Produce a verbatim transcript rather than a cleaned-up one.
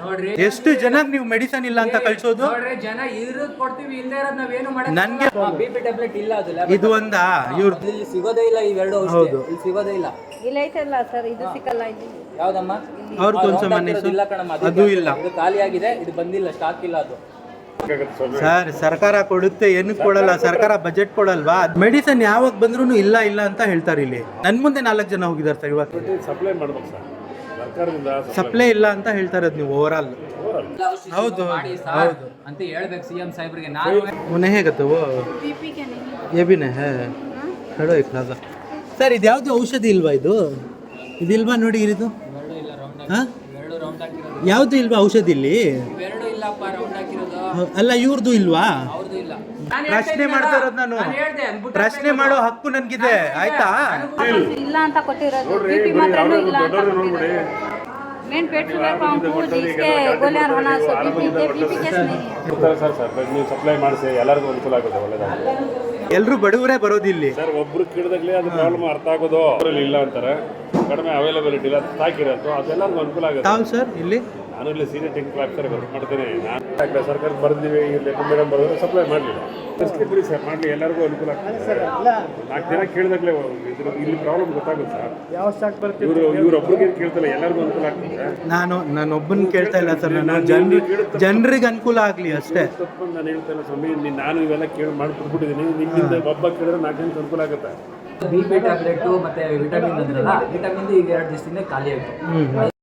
ನೋಡ್ರಿ ಎಷ್ಟು ಜನಕ್ಕೆ ನೀವು ಮೆಡಿಸನ್ ಇಲ್ಲ ಅಂತ ಕಳ್ಸೋದು? ನೋಡ್ರಿ ಜನ ಇರೋದ್ ಕೊಡ್ತೀವಿ, ಇಲ್ಲದೆ ಇರೋದ್ ನಾವೇನು ಮಾಡಲ್ಲ. ನನ್ಗೆ ಬಿಪಿ ಟ್ಯಾಬ್ಲೆಟ್ ಇಲ್ಲ, ಅದು ಇದು ಒಂದಾ ಇವ್ರ ಇಲ್ಲಿ ಸಿಗೋದೇ ಇಲ್ಲ. ಇವೆರಡು ಔಷಧಿ ಇಲ್ಲಿ ಸಿಗೋದೇ ಇಲ್ಲ. ಇಲ್ಲ ಐತಲ್ಲ ಸರ್, ಇದು ಸಿಕ್ಕಲ್ಲ. ಇದು ಯಾವ್ದಮ್ಮ? ಅವ್ರ ಕೊಂಚ ಮನಸ್ಸು ಇಲ್ಲ ಕಣಮ್ಮ, ಅದು ಇಲ್ಲ. ಇದು ಖಾಲಿ ಆಗಿದೆ, ಇದು ಬಂದಿಲ್ಲ, ಸ್ಟಾಕ್ ಇಲ್ಲ. ಅದು ಸರ್ ಸರ್ಕಾರ ಕೊಡುತ್ತೆ, ಏನಕ್ಕೆ ಕೊಡಲ್ಲ? ಸರ್ಕಾರ ಬಜೆಟ್ ಕೊಡಲ್ವಾ? ಮೆಡಿಸನ್ ಯಾವಾಗ ಬಂದ್ರೂ ಇಲ್ಲ ಇಲ್ಲ ಅಂತ ಹೇಳ್ತಾರೆ. ಇಲ್ಲಿ ನನ್ ಮುಂದೆ ನಾಲ್ಕು ಜನ ಹೋಗಿದ್ದಾರೆ ಸರ್. ಇವತ್ತು ಸಪ್ಲೈ ಮಾಡ್ಬೇಕು ಸರ್, ಸರ್ಕಾರದಿಂದ ಸಪ್ಲೈ ಇಲ್ಲ ಅಂತ ಹೇಳ್ತಾರೆ ನೀವು ಓವರ್ ಆಲ್. ಹೌದು ಹೌದು ಅಂತ ಹೇಳ್ಬೇಕು ಸಿಎಂ ಸಾಹೇಬ್ರಿಗೆ. ನಾನು उन्हें है कहते वो ये भी नहीं है खड़ो एक लाजा ಸರ್. ಇದು ಯಾವುದು ಔಷಧಿ ಇಲ್ವಾ? ಇದು ಇದಿಲ್ವಾ ನೋಡಿ ಇದು? ಹಾಂ ಎರಡು ರೌಂಡ್ ಹಾಕಿರೋದು. ಯಾವುದು ಇಲ್ವಾ ಔಷಧಿ ಇಲ್ಲಿ? ಇವೆರಡು ಇಲ್ಲಪ್ಪ, ರೌಂಡ್ ಹಾಕಿರೋದು. ಅಲ್ಲ ಇವ್ರದ್ದು ಇಲ್ವಾ? ಅವ್ರದ್ದು ಇಲ್ಲ. ಪ್ರಶ್ನೆ ಮಾಡ್ತಾ ಇರೋದು ನಾನು. ಪ್ರಶ್ನೆ ಮಾಡೋ ಹಕ್ಕು ನನ್ಗಿದೆ, ಆಯ್ತಾ? ಇಲ್ಲ ಅಂತ ಕೊಟ್ಟಿರೋದು. ಬಿಪಿ ಮಾತ್ರನೂ ಇಲ್ಲ ಅಂತ ಕೊಟ್ಟಿರೋದು. मेन पेट शुगर पंप जिसके गोलियां होना सो बीपी के बीपी केस नहीं है ಸರ್. ಸರ್ ನೀವು ಸಪ್ಲೈ ಮಾಡಿಸಿ ಎಲ್ಲರಿಗೂ ಅನುಕೂಲ ಆಗುತ್ತೆ, ಒಳ್ಳೇದಾಗುತ್ತೆ. ಎಲ್ಲರೂ ಬಡವರೇ ಬರೋದು ಇಲ್ಲಿ ಸರ್. ಒಬ್ರು ಕೇಳಿದಾಗಲೇ ಅದು ಪ್ರಾಬ್ಲಮ್ ಅರ್ಥ ಆಗೋದು. ಅವರಲ್ಲಿ ಇಲ್ಲ ಅಂತಾರೆ, ಕಡಿಮೆ ಅವೈಲಬಿಲಿಟಿ ಇಲ್ಲ, ಸ್ಟಾಕ್ ಇರೋದು, ಅದೆಲ್ಲರಿಗೂ ಅನುಕೂಲ ಆಗುತ್ತೆ. ತಾವು ಸರ್ ಇಲ್ಲಿ ನಾನು ಇಲ್ಲಿ ಸೀನಿಯರ್ ಟೆಕ್ನಿಕಲ್ ಆಫೀಸರ್ ವರ್ಕ್ ಮಾಡ್ತೇನೆ. ನಾನು ಸರ್ಕಾರಕ್ಕೆ ಬರ್ದಿವಿ, ಇಲ್ಲಿ ಮೇಡಮ್ ಬರೋದ್ರೆ ಸಪ್ಲೈ ಮಾಡಲಿಲ್ಲ. ಬಿಡಿ ಸರ್, ಮಾಡಲಿ, ಎಲ್ಲರಿಗೂ ಅನುಕೂಲ ಆಗ್ತದೆ ಸರ್. ನಾಲ್ಕು ಜನ ಕೇಳಿದಾಗಲೇ ಇದ್ರ ಇಲ್ಲಿ ಪ್ರಾಬ್ಲಮ್ ಗೊತ್ತಾಗುತ್ತೆ ಸರ್. ಯಾವ ಸ್ಟಾಕ್ ಬರುತ್ತೆ ಇವರು ಇವ್ರೊಬ್ರಿಗೆ ಕೇಳ್ತಲ್ಲ, ಎಲ್ಲರಿಗೂ ಅನುಕೂಲ ಆಗ್ತದೆ. ನಾನು ನಾನೊಬ್ಬನ ಕೇಳ್ತಾ ಇಲ್ಲ ಸರ್, ನಾನು ಜನರು ಜನರಿಗೆ ಅನುಕೂಲ ಆಗಲಿ ಅಷ್ಟೇ. ತಪ್ಪು ನಾನು ಹೇಳ್ತಾ ಇಲ್ಲ ಸ್ವಾಮಿ, ನಾನು ಇವೆಲ್ಲ ಕೇಳಿ ಮಾಡಿಬಿಟ್ಟಿದ್ದೀನಿ. ನಿಮ್ಮಿಂದ ಒಬ್ಬ ಕೇಳಿದ್ರೆ ನಾಲ್ಕು ಜನಕ್ಕೆ ಅನುಕೂಲ ಆಗುತ್ತೆ. ಬಿಪಿ ಟ್ಯಾಬ್ಲೆಟ್ ಮತ್ತೆ ವಿಟಮಿನ್ ಅಂದ್ರಲ್ಲ, ವಿಟಮಿನ್ ಈಗ ಎರಡು ದಿವಸದಿಂದ ಖಾಲಿ ಆಯಿತು.